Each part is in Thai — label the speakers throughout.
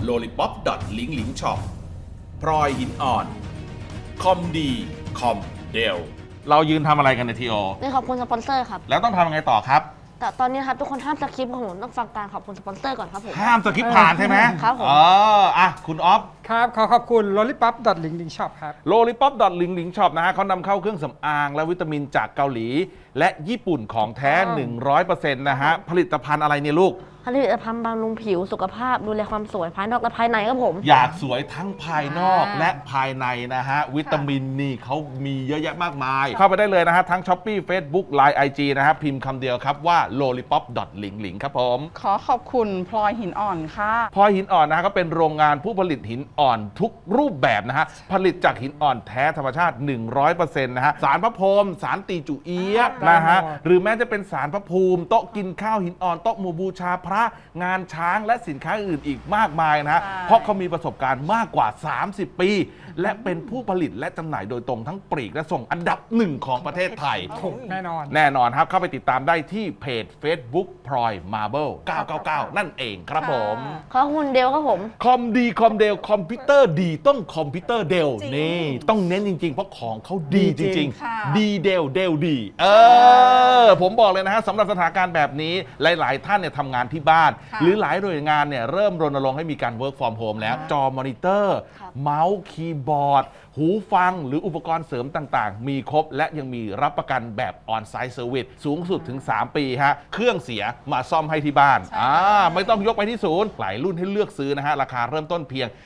Speaker 1: lollipop ลิงลิงช็อปพลอยหินอ่อนคอมดีคอมเดลเรายืนทำอะไรกันในทีโอ
Speaker 2: นี่ขอบคุณสปอนเซอร์ครับ
Speaker 1: แล้วต้องทำยังไงต่อครับ
Speaker 2: แต่ตอนนี้ครับทุกคนห้ามสคริปต์ของผมต้องฟังการขอบคุณสปอนเซอร์ก่อนครับผม
Speaker 1: ห้ามสกิปผ่านใช่ไหม
Speaker 2: ครับผม
Speaker 1: คุณออฟ
Speaker 3: ครับขอขอบคุณ lollipop link link shop ครับ
Speaker 1: lollipop ลิงลิงช็อปนะฮะเขานำเข้าเครื่องสำอางและวิตามินจากเกาหลี และญี่ปุ่นของแท้ 100% นะฮะ ผลิตภัณฑ์อะไรเนี่ยลูก
Speaker 2: ผลิตภัณฑ์บำรุงผิวสุขภาพดูแลความสวยภายนอกและภายในครับผม
Speaker 1: อยากสวยทั้งภายนอกและภายในนะฮะ วิตามินนี่เขามีเยอะแยะมากมาย เข้าไปได้เลยนะฮะ ทั้ง Shopee Facebook Line IG นะฮะ พิมพ์คำเดียวครับว่า lollipop ลิงลิงครับผม
Speaker 4: ขอขอบคุณพลอยหินอ่อนค่ะ
Speaker 1: พลอยหินอ่อนนะฮะก็เป็นโรงงานผู้ผลิตหินอ่อนทุกรูปแบบนะฮะ ผลิตจากหินอ่อนแท้ธรรมชาติ 100% นะฮะ สารพระพรหมสารตีจุเอียะนะฮะ หรือแม้จะเป็นสารพระภูมิ โต๊ะกินข้าวหินอ่อนโต๊ะหมู่บูชาพระงานช้างและสินค้าอื่นอีกมากมายนะฮะ
Speaker 4: ใช่
Speaker 1: เพราะเขามีประสบการณ์มากกว่า 30 ปี และเป็นผู้ผลิตและจำหน่ายโดยตรงทั้งปลีกและส่งอันดับหนึ่งของประเทศไทย
Speaker 3: ถูกแน่นอน
Speaker 1: แน่นอนครับ เข้าไปติดตามได้ที่เพจ Facebook พลอยมาร์เบิล999 นั่นเองครับผม
Speaker 2: ขอบคุณเดลครับผม
Speaker 1: คอมดีคอมเดลคอมพิวเตอร์ดีต้องคอมพิวเตอร์เดลนี่ต้องเน้นจริง ๆ เพราะของเขาดีจริง
Speaker 4: ค่ะ
Speaker 1: ๆ ดีเดลเดลดีผมบอกเลยนะฮะสำหรับสถานการณ์แบบนี้หลาย ๆ ท่านเนี่ยทำงานที่บ้าน
Speaker 4: ค่ะ
Speaker 1: หรือหลายหน่วยงานเนี่ยเริ่มรณรงค์ให้มีการ work from home แล้ว จอมอนิเตอร์
Speaker 2: ครับ
Speaker 1: เมาส์คีย์บอร์ด หูฟังหรืออุปกรณ์เสริมต่างๆ มีครบและยังมีรับประกันแบบ on-site service สูงสุดถึง 3 ปีฮะเครื่องเสียมาซ่อมให้ที่บ้านไม่ต้องยกไปที่ศูนย์หลายรุ่นให้เลือกซื้อนะฮะราคาเริ่มต้นเพียง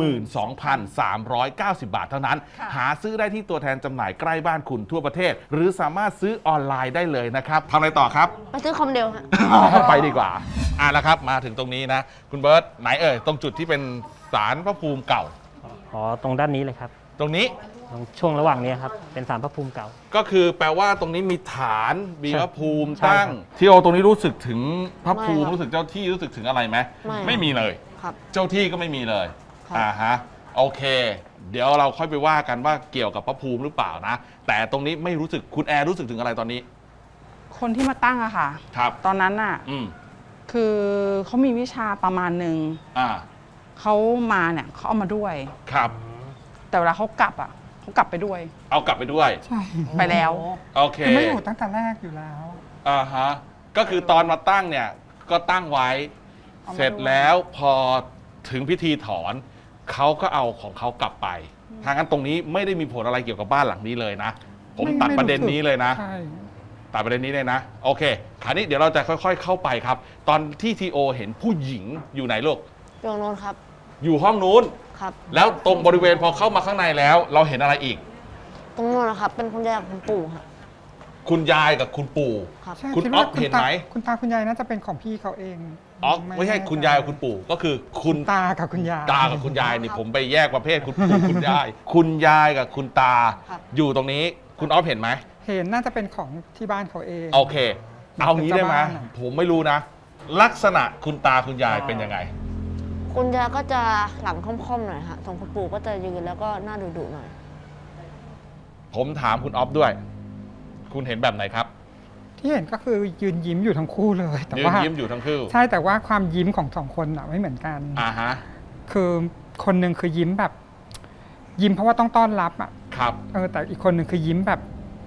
Speaker 1: 12,390 บาทเท่านั้น
Speaker 4: ค่ะ
Speaker 1: หาซื้อได้ที่ตัวแทนจำหน่ายใกล้บ้านคุณทั่วประเทศ หรือสามารถซื้อออนไลน์ได้เลยนะครับทำอะไรต่อครับ
Speaker 2: ไปซื้อคอมเดลฮะ
Speaker 1: ไปดีกว่าแล้วครับมาถึงตรงนี้นะ คุณเบิร์ตไหนตรงจุดที่เป็นศาลพระภูมิเก่า
Speaker 5: อ๋อตรงด้านนี้เลยครับ
Speaker 1: ตรงนี้
Speaker 5: ตรงช่วงระหว่างนี้ครับเป็นศาลพระภูมิเก่า
Speaker 1: ก็คือแปลว่าตรงนี้มีฐานมีพระภูมิ
Speaker 5: ใช่
Speaker 1: ตั้ง
Speaker 5: ครับ
Speaker 1: ที่โอตรงนี้รู้สึกถึงพระภูมิ
Speaker 2: ไม่ครับ
Speaker 1: รู้สึกเจ้าที่รู้สึกถึงอะไรไหม
Speaker 2: ไม่
Speaker 1: มีเลย
Speaker 2: ครับ
Speaker 1: เจ้าที่ก็ไม่มีเลย
Speaker 2: ครับ
Speaker 1: ฮะโอเค เดี๋ยวเราค่อยไปว่ากันว่าเกี่ยวกับพระภูมิหรือเปล่านะ แต่ตรงนี้ไม่รู้สึกคุณแอร์รู้สึกถึงอะไรตอนนี้
Speaker 4: คนที่มาตั้งอะค่ะ
Speaker 1: ครับ
Speaker 4: ตอนนั้นน่ะ
Speaker 1: อืม
Speaker 4: คือเขามีวิชาประมาณหนึ่ง
Speaker 1: อ่า
Speaker 4: เขามาเนี่ยเขาเอามาด้วย
Speaker 1: ครับ
Speaker 4: แต่เวลาเขากลับอะเขากลับไปด้วย
Speaker 1: เอากลับไปด้วย
Speaker 3: ใช่
Speaker 4: ไปแล้ว
Speaker 1: โอเค
Speaker 3: คือไม่อยู่ตั้งแต่แรกอยู่แล้ว
Speaker 1: ฮะก็คือตอนมาตั้งเนี่ยก็ตั้งไว้
Speaker 4: เอามา
Speaker 1: เสร็จแล้วพอถึงพิธีถอนเขาก็เอาของเขากลับไปทางนั้นตรงนี้ไม่ได้มีผลอะไรเกี่ยวกับบ้านหลังนี้เลยนะ ผม
Speaker 3: ไม่
Speaker 1: ตัด
Speaker 3: ไม่
Speaker 1: ประเด็น
Speaker 3: รู้สึก
Speaker 1: นี้เลยนะ
Speaker 3: ใช่
Speaker 1: ตัดประเด็นนี้เลยนะ โอเคคราวนี้เดี๋ยวเราจะค่อยๆเข้าไปครับ ตอนที่ทีโอเห็นผู้หญิงอยู่ไหนลูก
Speaker 2: อยู่ตรงโน้นครับ
Speaker 1: อยู่ห้องนู้น
Speaker 2: ครับ
Speaker 1: แล้วตรงบริเวณพอเข้ามาข้างในแล้ว เราเห็นอะไรอีก
Speaker 2: ตรงโน้นนะครับ เป็นคุณยายกับคุณปู่ครับ
Speaker 1: คุณยายกับคุณปู่
Speaker 2: ครับ
Speaker 3: ใช่
Speaker 1: คุณ
Speaker 3: ด
Speaker 1: อ๊
Speaker 3: ว่า
Speaker 1: อฟเห็นไหม
Speaker 3: คุณตาคุณยายน่าจะเป็นของพี่เขาเอง
Speaker 1: อ๋อไม่ใช่คุณยายกับคุณปู่ก็คือคุณ
Speaker 3: ตากับคุณยาย
Speaker 1: ตากับคุณยายนี่ผมไปแยกประเภทคุณปู่คุณยาย คุณยายกับคุณตา
Speaker 2: ครับ
Speaker 1: อยู่ตรงนี้คุณออฟเห็นไหม
Speaker 3: เห็นน่าจะเป็นของที่บ้านเขาเอง
Speaker 1: โอเค เอางี้ได้ไหม
Speaker 3: เป็นเจ้าบ้านอะ
Speaker 1: ผมไม่รู้นะ ลักษณะคุณตาคุณยายเป็นยังไง
Speaker 2: คุณยายก็จะหลังค่อมๆหน่อยฮะส่วนคุณปู่ก็จะยืนแล้วก็หน้าดุๆหน่อย
Speaker 1: ผมถามคุณออฟด้วย คุณเห็นแบบไหนครับ
Speaker 3: ที่เห็นก็คือยืนยิ้มอยู่ทั้งคู่เลย แต่
Speaker 1: ยืน
Speaker 3: ว่า
Speaker 1: ยิ้มอยู่ทั้งคู่
Speaker 3: ใช่แต่ว่าความยิ้มของสองคนอะไม่เหมือนกัน
Speaker 1: ฮะ
Speaker 3: คือคนหนึ่งคือยิ้มแบบ ยิ้มเพราะว่าต้องต้อนรับอะ
Speaker 1: ครับ
Speaker 3: แต่อีกคนหนึ่งคือยิ้มแบบ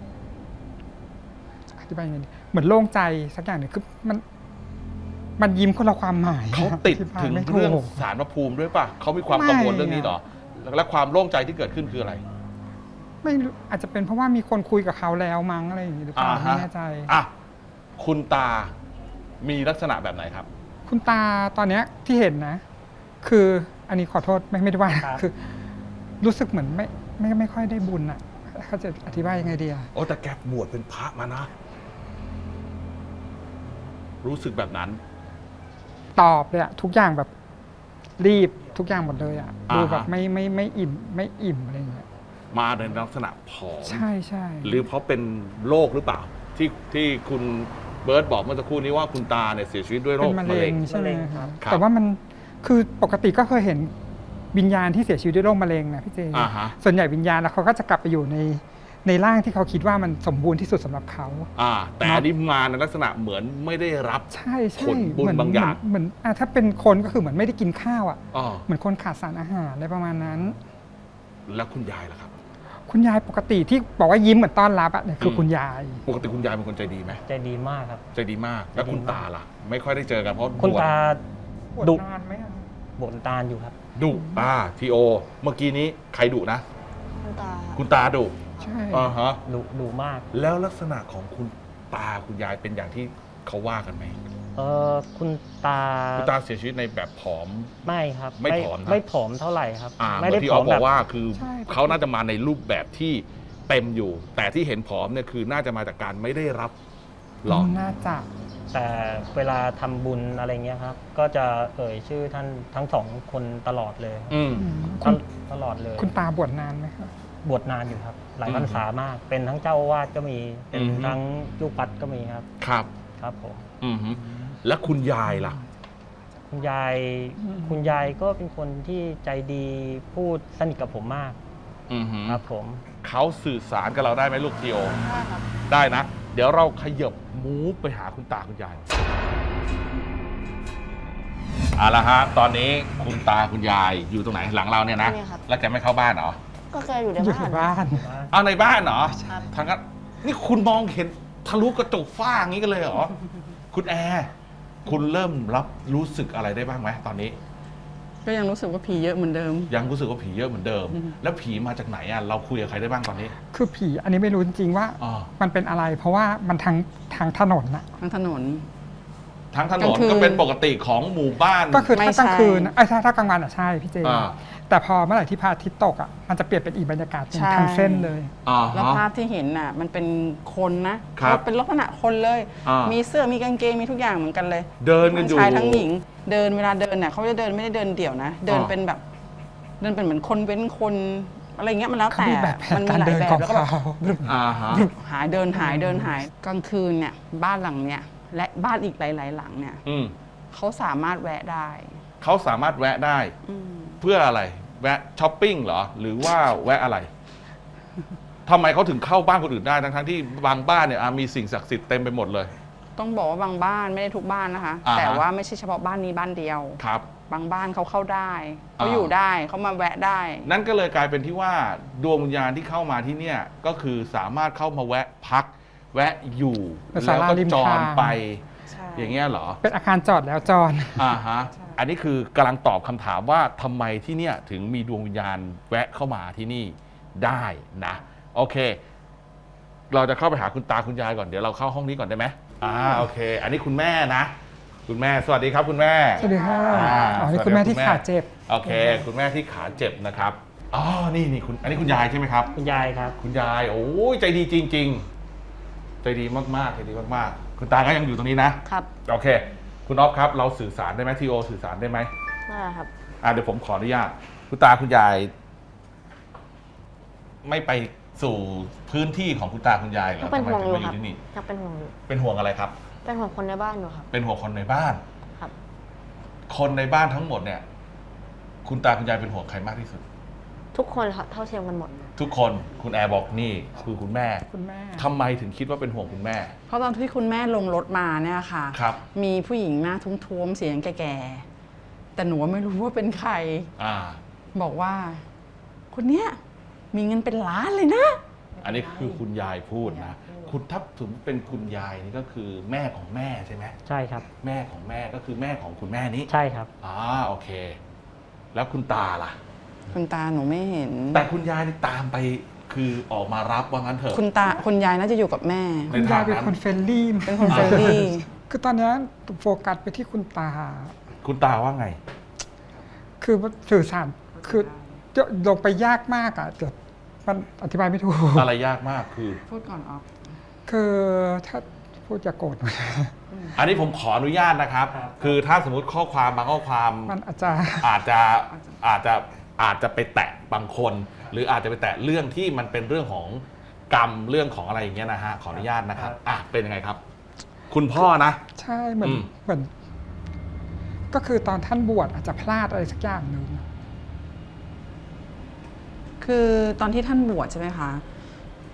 Speaker 3: อธิบายยังไงดีเหมือนโล่งใจสักอย่างหนึ่งคือมันยิ้มคนละความหมาย
Speaker 1: เขาติด
Speaker 3: อธิบาย
Speaker 1: ถึง
Speaker 3: ไม่ถูก
Speaker 1: เรื่องสารพระภูมิด้วยป่ะเขามีความกังวลเรื่องนี้เหรอและความโล่งใจที่เกิดขึ้นคืออะไร
Speaker 3: ไม่รู้อาจจะเป็นเพราะว่ามีคนคุยกับเขาแล้วมั้งอะไรอย่างนี้หรือเปล่าไม่แน่ใจ
Speaker 1: คุณตามีลักษณะแบบไหนครับ
Speaker 3: คุณตาตอนเนี้ยที่เห็นนะ คืออันนี้ขอโทษไม่ได้ว่า
Speaker 5: ครับ
Speaker 3: คือ รู้สึกเหมือนไม่ค่อยได้บุญอ่ะเขาจะอธิบายยังไงดีอะ
Speaker 1: โอ้แต่แกบวชเป็นพระมานะ รู้สึกแบบนั้น
Speaker 3: ตอบเลยอะทุกอย่างแบบรีบทุกอย่างหมดเลยอะ
Speaker 1: อ่าฮะ
Speaker 3: ดูแบบไม่อิ่มอะไรอย่างเงี้ย
Speaker 1: มาในลักษณะผอม
Speaker 3: ใช่ใช่
Speaker 1: หรือเพราะเป็นโรคหรือเปล่า ที่คุณเบิร์ตบอกเมื่อสักครู่นี้ว่าคุณตาเนี่ยเสียชีวิตด้วยโร
Speaker 3: เป็
Speaker 1: คน
Speaker 3: มะ
Speaker 1: มะ
Speaker 3: เร็
Speaker 1: เร็
Speaker 3: ง
Speaker 1: ง
Speaker 3: ใช่ไหม
Speaker 5: มะเร็ง
Speaker 3: ค
Speaker 5: ครั
Speaker 3: รับ
Speaker 5: บ
Speaker 3: แต่ว่ามันคือปกติก็เคยเห็นวิญญาณที่เสียชีวิตด้วยโรคมะเร็งนะพี่เจ
Speaker 1: อ่าฮะ
Speaker 3: ส่วนใหญ่วิญญาณแล้วเขาก็จะกลับไปอยู่ในในร่างที่เขาคิดว่ามันสมบูรณ์ที่สุดสำหรับเขา
Speaker 1: แต่อันนี้มาในลักษณะเหมือนไม่ได้รับ
Speaker 3: ใช่
Speaker 1: ผลบุญบางอย่าง
Speaker 3: เหมือนถ้าเป็นคนก็คือเหมือนไม่ได้กินข้าวอ่ะ
Speaker 1: อ๋อ
Speaker 3: เหมือนคนขาดสารอาหารอะไรประมาณนั้น
Speaker 1: แล้วคุณยายล่ะครับ
Speaker 3: คุณยายปกติที่บอกว่ายิ้มเหมือนต้อนรับอ่ะเนี่ยคือคุณยาย
Speaker 1: ปกติคุณยายเป็นคนใจดีไหม
Speaker 5: ใจดีมากครับ
Speaker 1: ใจดีมาก แล้วคุณตาล่ะ ไม่ค่อยได้เจอกันเพราะ
Speaker 5: คุณ
Speaker 1: บวช
Speaker 5: ตา
Speaker 3: ปวด
Speaker 5: ดุ
Speaker 3: นานไหมอะ
Speaker 5: บนตาลอยู่ครับ
Speaker 1: ดุทีโอ เมื่อกี้นี้ใครดุนะ
Speaker 2: คุณตา
Speaker 1: คุณตาดุ
Speaker 3: ใช่
Speaker 1: ฮะ
Speaker 5: ดุมาก
Speaker 1: แล้วลักษณะของคุณตาคุณยายเป็นอย่างที่เขาว่ากันไหม
Speaker 5: คุณตา
Speaker 1: คุณตาเสียชีวิตในแบบผอม
Speaker 5: ไม่ครับ
Speaker 1: ไม่ผอมนะ
Speaker 5: ไม่ผอมเท่าไหร่ครับ
Speaker 1: เห
Speaker 5: ไม่
Speaker 1: มือ
Speaker 5: ได้
Speaker 1: นที่
Speaker 5: ผ
Speaker 1: อ
Speaker 5: อ
Speaker 1: อ
Speaker 5: ม
Speaker 1: บอ
Speaker 5: แบบ
Speaker 1: กว่าคือเขาน่าจะมาในรูปแบบที่เต็มอยู่ แต่ที่เห็นผอมเนี่ยคือน่าจะมาจากการไม่ได้รับหรอ
Speaker 3: น่าจะ
Speaker 5: แต่เวลาทำบุญอะไรเงี้ยครับ ก็จะเอ่ยชื่อท่านทั้งสองคนตลอดเลย
Speaker 1: อืม
Speaker 5: ตลอดเลย
Speaker 3: คุณตาบวชนานไหมครับ
Speaker 5: บวชนานอยู่ครับ หลาย
Speaker 1: อืม
Speaker 5: พรรษามาก เป็นทั้งเจ้าอาวาสก็มี เป็น
Speaker 1: อืม
Speaker 5: ทั้งลูกวัดก็มีครับ
Speaker 1: ครับ
Speaker 5: ครับผม
Speaker 1: อืมฮึแล้วคุณยายล่ะ
Speaker 5: คุณยาย
Speaker 3: อืม
Speaker 5: คุณยายก็เป็นคนที่ใจดีพูดสนิทกับผมมาก
Speaker 1: อืมฮึ
Speaker 5: ครับผม
Speaker 1: เขาสื่อสารกับเราได้ไหมลูกทีโอ
Speaker 2: ได้ครับ
Speaker 1: ได้นะ เดี๋ยวเราขยับมูฟไปหาคุณตาคุณยายเอาละฮะ ตอนนี้คุณตาคุณยายอยู่ตรงไหนหลังเราเนี่ยนะ
Speaker 2: นี่ครับ
Speaker 1: แล้วแกไม่เข้าบ้านเหรอ
Speaker 2: ก็แกอยู่ใน
Speaker 3: อยู่
Speaker 2: บ้า
Speaker 3: ใน
Speaker 2: น
Speaker 3: บ้าน
Speaker 1: เอาในบ้านเหรอ
Speaker 2: ครับ
Speaker 1: ทางนั้นนี่คุณมองเห็นทะลุกระจกฝ้าอย่างนี้กันเลยเหรอ คุณแอร์คุณเริ่มรับรู้สึกอะไรได้บ้างไหมตอนนี้
Speaker 4: ก็ยังรู้สึกว่าผีเยอะเหมือนเดิม
Speaker 1: ยังรู้สึกว่าผีเยอะเหมือนเดิม แล้วผีมาจากไหนอ่ะเราคุยกับใครได้บ้างตอนนี้
Speaker 3: คือผีอันนี้ไม่รู้จริงๆว่า
Speaker 1: อ๋อ
Speaker 3: มันเป็นอะไร เพราะว่ามันทางถนนน่ะ
Speaker 4: ทั้งถนน
Speaker 1: ทั้งถน
Speaker 4: กลาน งคืน
Speaker 1: ก็เป็นปกติของหมู่บ้าน
Speaker 3: ก็คือ
Speaker 4: ไม่
Speaker 3: ถ้ากลางคืน
Speaker 4: ใช่
Speaker 3: น่ะถ้ากลางวันอ่ะใช่พี่เจ
Speaker 1: อ่า
Speaker 3: แต่พอเมื่อไหร่ที่พระอาทิตย์ตกอ่ะมันจะเปลี่ยนเป็นอีกบรรยากาศหนึ่ง
Speaker 4: ใช่
Speaker 3: ทางเส้นเลย
Speaker 1: อ่า
Speaker 4: แล้ว
Speaker 1: ฮะ
Speaker 4: ภาพที่เห็นน่ะ มันเป็นคนนะครับ เป็นลักษณะคนเลย
Speaker 1: อ่ามี
Speaker 4: มีเสื้อมีกางเกงมีทุกอย่างเหมือนกันเลย
Speaker 1: เดินกันอยู่
Speaker 4: ทั้งชายทั้งหญิง เดินเวลาเดินน่ะเขาจะเดินไม่ได้เดินเดี่ยวนะ เดิน
Speaker 1: อ่า
Speaker 4: เป็นแบบ เดินเป็นเหมือนคนเว้นคนอะไรเงี้ยมันแล้ว
Speaker 3: เขา
Speaker 4: แต่
Speaker 3: มีแบบแผน
Speaker 4: มันมี
Speaker 3: การ
Speaker 4: หลาย
Speaker 3: เดิน
Speaker 4: แบบ
Speaker 3: ของ
Speaker 4: แล้วก็แบบ
Speaker 3: เขา
Speaker 1: อ่าฮะ
Speaker 4: หายเดินหายเดินหายกลางคืนเนี่ยบ้านหลังเนี่ยและบ้านอีกหลาย ๆ หลังเนี่ย
Speaker 1: อืม
Speaker 4: เขาสามารถแวะได้
Speaker 1: เขาสามารถแวะได้
Speaker 4: อืม
Speaker 1: เพื่ออะไร แวะช้อปปิ้งเหรอ หรือว่าแวะอะไรทำไมเขาถึงเข้าบ้านคนอื่นได้ทั้งๆที่บางบ้านเนี่ยมีสิ่งศักดิ์สิทธิ์เต็มไปหมดเลย
Speaker 4: ต้องบอกว่าบางบ้านไม่ได้ทุกบ้านนะคะ
Speaker 1: อ่าฮะ
Speaker 4: แต่ว่าไม่ใช่เฉพาะบ้านนี้บ้านเดียว
Speaker 1: ครับ
Speaker 4: บางบ้านเขาเข้าได้เขา
Speaker 1: อ่า
Speaker 4: อยู่ได้เขามาแวะได้
Speaker 1: นั่นก็เลยกลายเป็นที่ว่าดวงวิญญาณที่เข้ามาที่เนี่ยก็คือสามารถเข้ามาแวะพัก แวะอยู่
Speaker 3: เป็น
Speaker 1: แล้ว
Speaker 3: ศาลา
Speaker 1: ก็
Speaker 3: ริม
Speaker 1: จร
Speaker 3: ทาง
Speaker 1: ไป
Speaker 4: ใช่
Speaker 1: อย่างเงี้ยเหรอ
Speaker 3: เป็นอาคารจอดแล้วจอด
Speaker 1: อ่าฮะ อันนี้คือกำลังตอบคำถามว่าทำไมที่เนี่ยถึงมีดวงวิญญาณแวะเข้ามาที่นี่ได้นะ โอเค เราจะเข้าไปหาคุณตาคุณยายก่อน เดี๋ยวเราเข้าห้องนี้ก่อนได้ไหมโอเค อันนี้คุณแม่นะ คุณแม่สวัสดีครับคุณแม่
Speaker 3: สวัสดีค่ะ
Speaker 1: อ่า
Speaker 3: อ๋อนี่คุณแม่ที่ขาเจ็บ
Speaker 1: โอเค คุณแม่ที่ขาเจ็บนะครับอ๋อนี่คุณอันนี้คุณยายใช่ไหมครับ
Speaker 5: คุณยายครับ
Speaker 1: คุณยายโอ้ยใจดีจริง ๆ ใจดีมากๆใจดีมากๆ คุณตาก็ยังอยู่ตรงนี้นะครับ โอเค คุณอ๊อฟครับ เราสื่อสารได้ไหมทีโอสื่อสารได้ไหม
Speaker 2: ได้ครับ
Speaker 1: เดี๋ยวผมขออนุญาตคุณตาคุณยาย ไม่ไปสู่พื้นที่ของคุณตาคุณยายเหรอ
Speaker 2: ยังเป็น
Speaker 1: ทำไม
Speaker 2: ห่วง
Speaker 1: ถึ
Speaker 2: อง ยู่
Speaker 1: มาอ
Speaker 2: ครับ
Speaker 1: ยู่ที่นี่
Speaker 2: ยังเป็นห่วงอยู่
Speaker 1: เป็นห่วงอะไรครับ
Speaker 2: เป็นห่วงคนในบ้านอยู่ครับ
Speaker 1: เป็นห่วงคนในบ้าน
Speaker 2: ครับ
Speaker 1: คนในบ้านทั้งหมดเนี่ย คุณตาคุณยายเป็นห่วงใครมากที่สุด
Speaker 2: ทุกคนครับเท่าเทียมกันหมด
Speaker 1: ทุกคนคุณแอร์บอกนี่คือคุณแม่
Speaker 3: คุณแม่
Speaker 1: ทำไมถึงคิดว่าเป็นห่วงคุณแม่
Speaker 4: เพราะตอนที่คุณแม่ลงรถมาเนี่ยค่ะ
Speaker 1: ครับ
Speaker 4: มีผู้หญิงหน้าทุ้มๆเสียงแก่ๆแต่หนูไม่รู้ว่าเป็นใคร
Speaker 1: อ่า
Speaker 4: บอกว่า คนเนี้ยมีเงินเป็นล้านเลยนะ
Speaker 1: อันนี้คือคุณยายพูดนะ คุณถ้าถึงเป็นคุณยายนี่ก็คือแม่ของแม่ใช่ไหม
Speaker 5: ใช่ครับ
Speaker 1: แม่ของแม่ก็คือแม่ของคุณแม่นี้
Speaker 5: ใช่ครับ
Speaker 1: โอเค แล้วคุณตาล่ะ
Speaker 4: คุณตาหนูไม่เห็น
Speaker 1: แต่คุณยายนี่ตามไปคือออกมารับว่างั้นเถอะ
Speaker 4: คุณยายน่าจะอยู่กับแม่
Speaker 1: ใน
Speaker 3: คุณยายเป็น
Speaker 1: ทางนั้น
Speaker 3: คนเฟรนลี่
Speaker 4: เป็นคนเฟรนลี่
Speaker 3: คือตอนเนี้ยโฟกัสไปที่คุณตา
Speaker 1: คุณตาว่าไง
Speaker 3: คือสื่อสารคือจะลงไปยากมากอ่ะเดี๋ยวมันอธิบายไม่ถูก
Speaker 1: อะไรยากมากคือ
Speaker 4: พูดก่อนออฟ
Speaker 3: คือถ้าพูดจะโกรธหน่อย
Speaker 1: อันนี้ผมขออนุญาตนะครับ คือถ้าสมมติข้อความบางข้อความ
Speaker 3: มันอาจจะ
Speaker 1: อาจจะไปแตะบางคน หรืออาจจะไปแตะเรื่องที่มันเป็นเรื่องของกรรมเรื่องของอะไรอย่างเงี้ยนะฮะขออนุญาตนะครับเป็นยังไงครับ คุณพ่อนะ
Speaker 3: ใช่เหมือน
Speaker 1: อืม
Speaker 3: เหมือน ก็คือตอนท่านบวชอาจจะพลาดอะไรสักอย่างหนึ่ง
Speaker 4: คือตอนที่ท่านบวชใช่ไหมคะ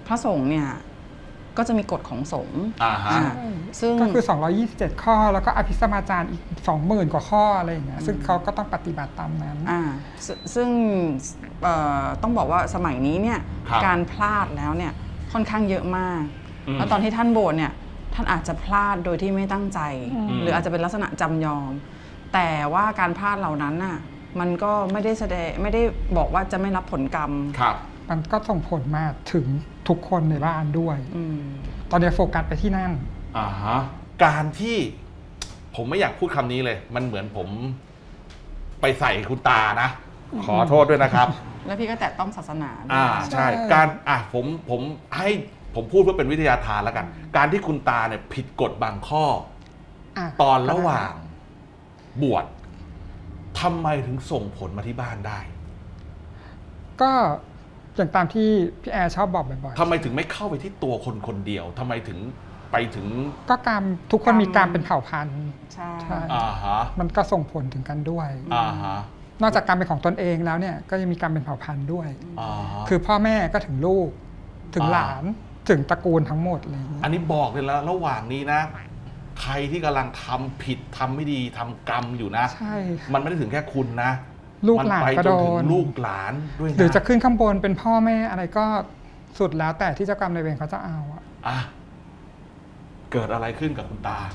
Speaker 4: พระสงฆ์เนี่ยก็จะมีกฎของสงฆ์
Speaker 1: อ่าฮะ
Speaker 4: อ่าซึ่ง
Speaker 3: ก็คือ 227 ข้อ แล้วก็อภิสมาจารอีก 20,000 กว่าข้ออะไรอย่างเงี้ยซึ่งเขาก็ต้องปฏิบัติตามนั้น
Speaker 4: ซึ่งต้องบอกว่าสมัยนี้เนี่ย
Speaker 1: ครับ
Speaker 4: การพลาดแล้วเนี่ยค่อนข้างเยอะมาก
Speaker 1: อืม
Speaker 4: แล้วตอนที่ท่านบวชเนี่ยท่านอาจจะพลาดโดยที่ไม่ตั้งใจ หรืออาจจะเป็นลักษณะจำยอม แต่ว่าการพลาดเหล่านั้นน่ะมันก็ไม่ได้บอกว่าจะไม่รับผลกรรม
Speaker 1: ครับ
Speaker 3: มันก็ส่งผลมาถึงทุกคนในบ้านด้วย
Speaker 4: อืม
Speaker 3: ตอนนี้โฟกัสไปที่นั่น
Speaker 1: อ่าฮะการที่ผมไม่อยากพูดคำนี้เลย มันเหมือนผมไปใส่คุณตานะ ขอโทษด้วยนะครับ
Speaker 4: แล้วพี่ก็แตะต้องศาสนาด้วย
Speaker 1: ใช่การผมให้ผมพูดเพื่อเป็นวิทยาทานแล้วกัน การที่คุณตาเนี่ยผิดกฎบางข้อ
Speaker 3: อ่ะ
Speaker 1: ตอนระหว่างบวชทำไมถึงส่งผลมาที่บ้านได้
Speaker 3: ก็อย่างตามที่พี่แอร์ชอบบอกบ่อย
Speaker 1: ทำไมถึงไม่เข้าไปที่ตัวคนคนเดียวทำไมถึงไปถึง
Speaker 3: ๆ ก็การทุกคนมีการเป็นเผ่าพันธุ์
Speaker 4: ใช่
Speaker 3: ใช่
Speaker 1: อ่าฮะ
Speaker 3: มันก็ส่งผลถึงกันด้วย
Speaker 1: อ่าฮะ
Speaker 3: นอกจากการเป็นของตนเองแล้วเนี่ยก็ยังมีการเป็นเผ่าพันธุ์ด้วย
Speaker 1: อ่าฮะ
Speaker 3: คือพ่อแม่ก็ถึงลูกถึง
Speaker 1: อ่า
Speaker 3: หลานถึงตระกูลทั้งหมดอะไรอย่างเงี้ย
Speaker 1: อันนี้บอกเลยแล้วระหว่างนี้นะ ใครที่กำลังทำผิดทำไม่ดีทำกรรมอยู่นะ
Speaker 3: ใช่
Speaker 1: มันไม่ได้ถึงแค่คุณนะ
Speaker 3: ลูกหลาน
Speaker 1: มัไป
Speaker 3: ก็
Speaker 1: จ
Speaker 3: โด
Speaker 1: นถึง
Speaker 3: น
Speaker 1: ลูกหลานด้วยนะ
Speaker 3: หรือจะขึ้นข้างบนเป็นพ่อแม่อะไรก็สุดแล้วแต่ที่เจ้ากรรมนายเวรเขาจะเอาอะ
Speaker 1: อ่ะเกิดอะไรขึ้นกับคุณตา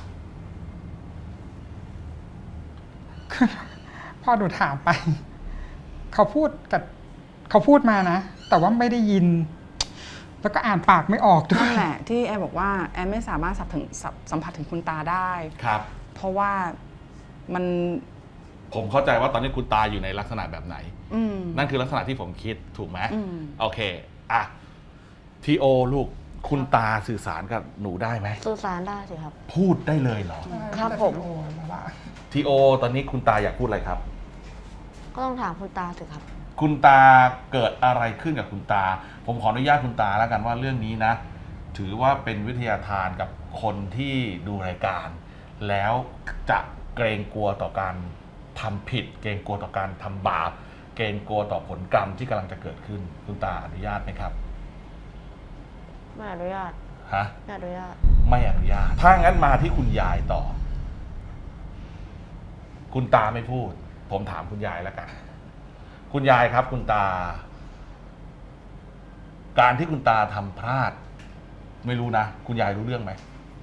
Speaker 3: พอหนูถามไป เขาพูดมานะ แต่ว่าไม่ได้ยิน แล้วก็อ่านปากไม่ออกด้ว
Speaker 4: นั่
Speaker 3: ย
Speaker 4: นแหละที่แอร์บอกว่าแอร์ไม่สามารถสัมผัสถึงคุณตาได้
Speaker 1: ครับ
Speaker 4: เพราะว่ามัน
Speaker 1: ผมเข้าใจว่าตอนนี้คุณตาอยู่ในลักษณะแบบไหน
Speaker 4: อืม
Speaker 1: นั่นคือลักษณะที่ผมคิดถูกไหม
Speaker 4: อืม
Speaker 1: โอเค อ่ะทีโอลูก คุณตาสื่อสารกับหนูได้ไหม
Speaker 2: สื่อสารได้สิครับ
Speaker 1: พูดได้เลยเหรอ
Speaker 2: ครับผม
Speaker 1: ทีโอ ตอนนี้คุณตาอยากพูดอะไรครับ
Speaker 2: ก็ต้องถามคุณตาสิครับ
Speaker 1: คุณตาเกิดอะไรขึ้นกับคุณตา ผมขออนุญาตคุณตาแล้วกันว่าเรื่องนี้นะ ถือว่าเป็นวิทยาทานกับคนที่ดูรายการ แล้วจะเกรงกลัวต่อการทำผิด เกรงกลัวต่อการทำบาป เกรงกลัวต่อผลกรรมที่กำลังจะเกิดขึ้น คุณตาอนุญาตไหมครับ
Speaker 2: ไม่อนุญาต
Speaker 1: ฮะ
Speaker 2: ไม่อนุญาต
Speaker 1: ไม่อนุญาต ถ้างั้นมาที่คุณยายต่อ คุณตาไม่พูด ผมถามคุณยายแล้วกัน คุณยายครับ คุณตา การที่คุณตาทำพลาด ไม่รู้นะ คุณยายรู้เรื่องไหม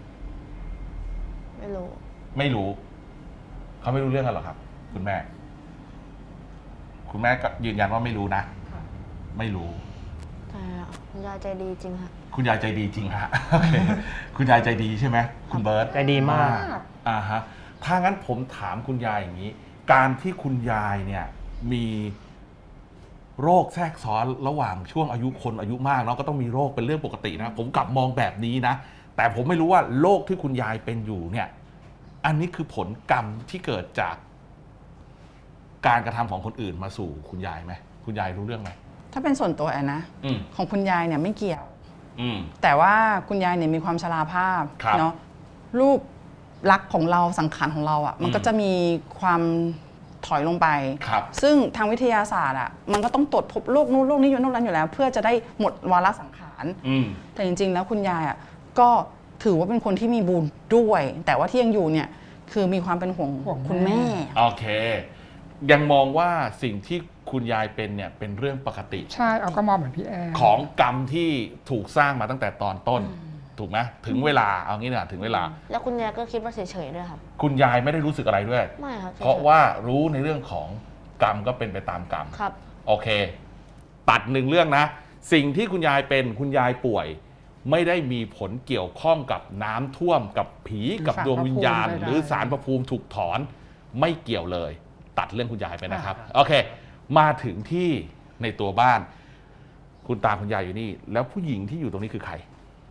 Speaker 2: ไม่รู้
Speaker 1: ไม่รู้ เขาไม่รู้เรื่องกันหรอครับ คุณแม่ คุณแม่ก็ยืนยันว่าไม่รู้นะ ไม่รู้
Speaker 2: แต่คุณยายใจดีจริงฮะ
Speaker 1: คุณยายใจดีจริงฮะ โอเคคุณยายใจดีใช่ไหมคุณเบิร์ต
Speaker 5: ใจดีมาก
Speaker 1: อ่าฮะ ถ้างั้นผมถามคุณยายอย่างนี้ การที่คุณยายเนี่ยมีโรคแทรกซ้อนระหว่างช่วงอายุคนอายุมากเนาะก็ต้องมีโรคเป็นเรื่องปกตินะ ผมกลับมองแบบนี้นะ แต่ผมไม่รู้ว่าโรคที่คุณยายเป็นอยู่เนี่ย อันนี้คือผลกรรมที่เกิดจากการกระทำของคนอื่นมาสู่คุณยายไหมคุณยายรู้เรื่องไหม
Speaker 4: ถ้าเป็นส่วนตัวแอนนะ
Speaker 1: อืม
Speaker 4: ของคุณยายเนี่ยไม่เกี่ยว
Speaker 1: อืม
Speaker 4: แต่ว่าคุณยายเนี่ยมีความชราภาพ
Speaker 1: ครับ
Speaker 4: เนาะรูปลักษณ์ของเราสังขารของเราอ่ะมันก็จะมีความถอยลงไป
Speaker 1: ครับ
Speaker 4: ซึ่งทางวิทยาศาสตร์อ่ะมันก็ต้องตรวจพบโรคนู้นโรคนี้อยู่โน่นนั้นอยู่แล้ว เพื่อจะได้หมดวาระสังขาร
Speaker 1: อืม
Speaker 4: แต่จริงๆแล้วคุณยายอ่ะก็ถือว่าเป็นคนที่มีบุญด้วย แต่ว่าที่ยังอยู่เนี่ยคือมีความเป็นห่วง
Speaker 3: ห่วง
Speaker 4: คุณแม่
Speaker 1: โอเค ยังมองว่าสิ่งที่คุณยายเป็นเนี่ยเป็นเรื่องปกติ
Speaker 3: ใช่เอาก็มองเหมือนพี่แอร์
Speaker 1: ของกรรมที่ถูกสร้างมาตั้งแต่ตอนต้น ถูกไหมถึงเวลาเอางี้นะถึงเวลา
Speaker 2: แล้วคุณยายก็คิดว่าเฉยๆด้วยครับ
Speaker 1: คุณยายไม่ได้รู้สึกอะไรด้วย
Speaker 2: ไม่ครับฉยๆ
Speaker 1: เพราะว่ารู้ในเรื่องของกรรมก็เป็นไปตามกรรม
Speaker 2: ครับ
Speaker 1: โอเค ตัดหนึ่งเรื่องนะ สิ่งที่คุณยายเป็นคุณยายป่วย ไม่ได้มีผลเกี่ยวข้องกับน้ำท่วมกับผีกับดวงวิญญาณ หรือสารพระภูมิถูกถอนไม่เกี่ยวเลย ตัดเรื่องคุณยายไปนะครับ โอเค มาถึงที่ในตัวบ้าน คุณตาคุณยายอยู่นี่ แล้วผู้หญิงที่อยู่ตรงนี้คือใคร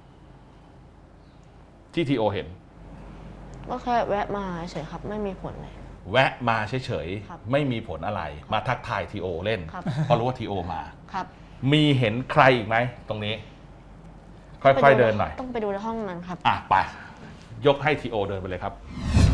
Speaker 1: ที่ทีโอเห็น
Speaker 2: ก็แค่แวะมาเฉยๆครับ ไม่มีผลเลย
Speaker 1: แวะมาเฉย
Speaker 2: ครับ
Speaker 1: ๆไม่มีผลอะไร มาทักทายทีโอเล่น
Speaker 2: ครับ
Speaker 1: เพราะรู้ว่าทีโอมา
Speaker 2: ครับ
Speaker 1: มีเห็นใครอีกไหมตรงนี้ ค่อยๆเดินหน่อย
Speaker 2: ต้องไปดูในห้องนั้นครับ
Speaker 1: อ่ะไป ยกให้ทีโอเดินไปเลยครับ